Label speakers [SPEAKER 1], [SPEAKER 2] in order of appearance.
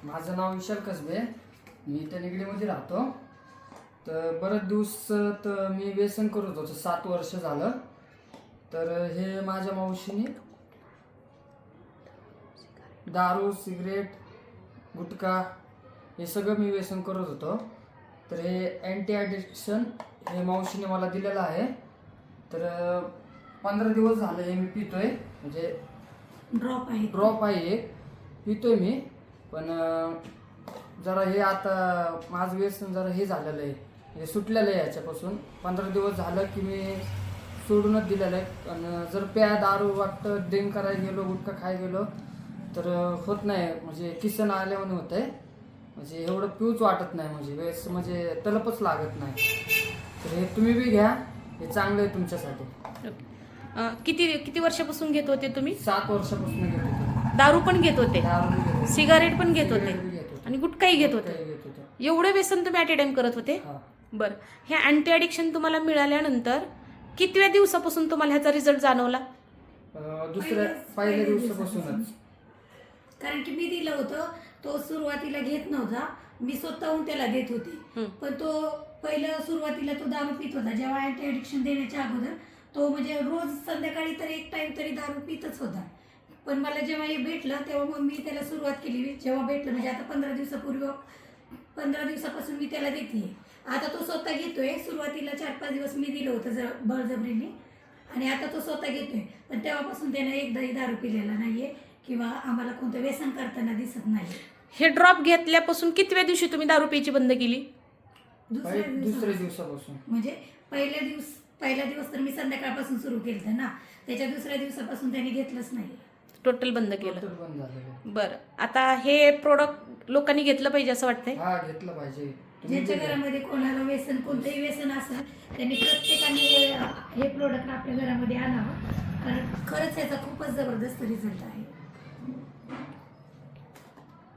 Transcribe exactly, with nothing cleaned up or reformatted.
[SPEAKER 1] माझं नाव विशाल कसबे, मी इथं निगडीमध्ये राहतो. तर बरेच दिवस तर मी व्यसन करत होतो, सात वर्ष झालं. तर हे माझ्या मावशीने दारू, सिगरेट, गुटखा हे सगळं मी व्यसन करत होतो. तर हे अँटी ॲडिक्शन हे मावशीने मला दिलेलं आहे. तर पंधरा दिवस झाले हे मी पितोय, म्हणजे
[SPEAKER 2] ड्रॉप आहे
[SPEAKER 1] ड्रॉप आहे एक पितोय मी. पण जरा हे आता माझं व्यसन जरा हे झालेलं आहे, हे सुटलेलं आहे. याच्यापासून पंधरा दिवस झालं की मी सोडूनच दिलेलं आहे. आणि जर प्या दारू वाटतं ड्रिंक करायला गेलो, गुटखा खाय गेलो तर होत नाही, म्हणजे किसन आल्यामुळे होत आहे. म्हणजे एवढं पिऊच वाटत नाही, म्हणजे वेळेस म्हणजे तलपच लागत नाही. तर हे तुम्ही बी घ्या, हे चांगलं आहे तुमच्यासाठी.
[SPEAKER 3] किती किती वर्षापासून घेत होते तुम्ही?
[SPEAKER 1] सात वर्षापासून घेत होते.
[SPEAKER 3] दारू पण घेत होते,
[SPEAKER 1] दारू बी घेत होते,
[SPEAKER 3] सिगारेट पण घेत होते
[SPEAKER 1] सिगारेट बी घेत होते,
[SPEAKER 3] आणि गुटखाही घेत होते.
[SPEAKER 1] गुटखाही घेत होते.
[SPEAKER 3] एवढे व्यसन तुम्ही ॲट ए टाइम करत होते?
[SPEAKER 1] हा.
[SPEAKER 3] बरं, हे अँटी ॲडिक्शन तुम्हाला मिळाल्यानंतर कितव्या दिवसापासून तुम्हाला ह्याचा रिझल्ट जाणवला?
[SPEAKER 1] अं, दुसऱ्या पहिल्या दिवसापासूनच.
[SPEAKER 2] कारण की मी दिलं होतं, तो सुरुवातीला घेत नव्हता, मी स्वतःहून त्याला देत होती. पण तो पहिलं सुरुवातीला तो दारू पित होता. जेव्हा अँटी ॲडिक्शन देण्याच्या अगोदर तो म्हणजे रोज संध्याकाळी तर एक टाइम तरी दारू पितच होता. पण मला जेव्हा हे भेटलं तेव्हा मग मी त्याला सुरुवात केली. जेव्हा भेटलं म्हणजे आता पंधरा दिवसापूर्वी पंधरा दिवसापासून मी त्याला देते. आता तो स्वतः घेतोय. सुरुवातीला चार पाच दिवस मी दिलं होतं ज बळजबरीने, आणि आता तो स्वतः घेतोय. पण तेव्हापासून त्याने एकदाही दारू पिलेला नाहीये किंवा आम्हाला कोणतं व्यसन करताना दिसत नाही.
[SPEAKER 3] हे ड्रॉप घेतल्यापासून कितव्या दिवशी तुम्ही दारू प्यायची बंद केली?
[SPEAKER 2] दुसऱ्या
[SPEAKER 1] दुसऱ्या
[SPEAKER 2] दिवसापासून
[SPEAKER 1] दिवसापासून
[SPEAKER 2] म्हणजे पहिल्या दिवस पहिला दिवस तर मी संध्याकाळपासून सुरू केलं ना, त्याच्या दुसऱ्या दिवसापासून त्याने घेतलंच नाही.
[SPEAKER 3] टोटल बंद केलं.
[SPEAKER 1] टोटल बंद झालेलं.
[SPEAKER 3] बरं, आता हे प्रोडक्ट लोकांनी घेतलं पाहिजे असं वाटतंय?
[SPEAKER 1] हा, घेतलं पाहिजे. तुम्ही
[SPEAKER 2] ज्यांच्या
[SPEAKER 1] बी घ्या.
[SPEAKER 2] घरामध्ये कोणाला व्यसन कोणतंही व्यसन असेल त्यांनी प्रत्येकाने हे हे प्रोडक्ट आपल्या घरामध्ये आणावं, कारण खरंच याचा खूपच जबरदस्त रिझल्ट आहे.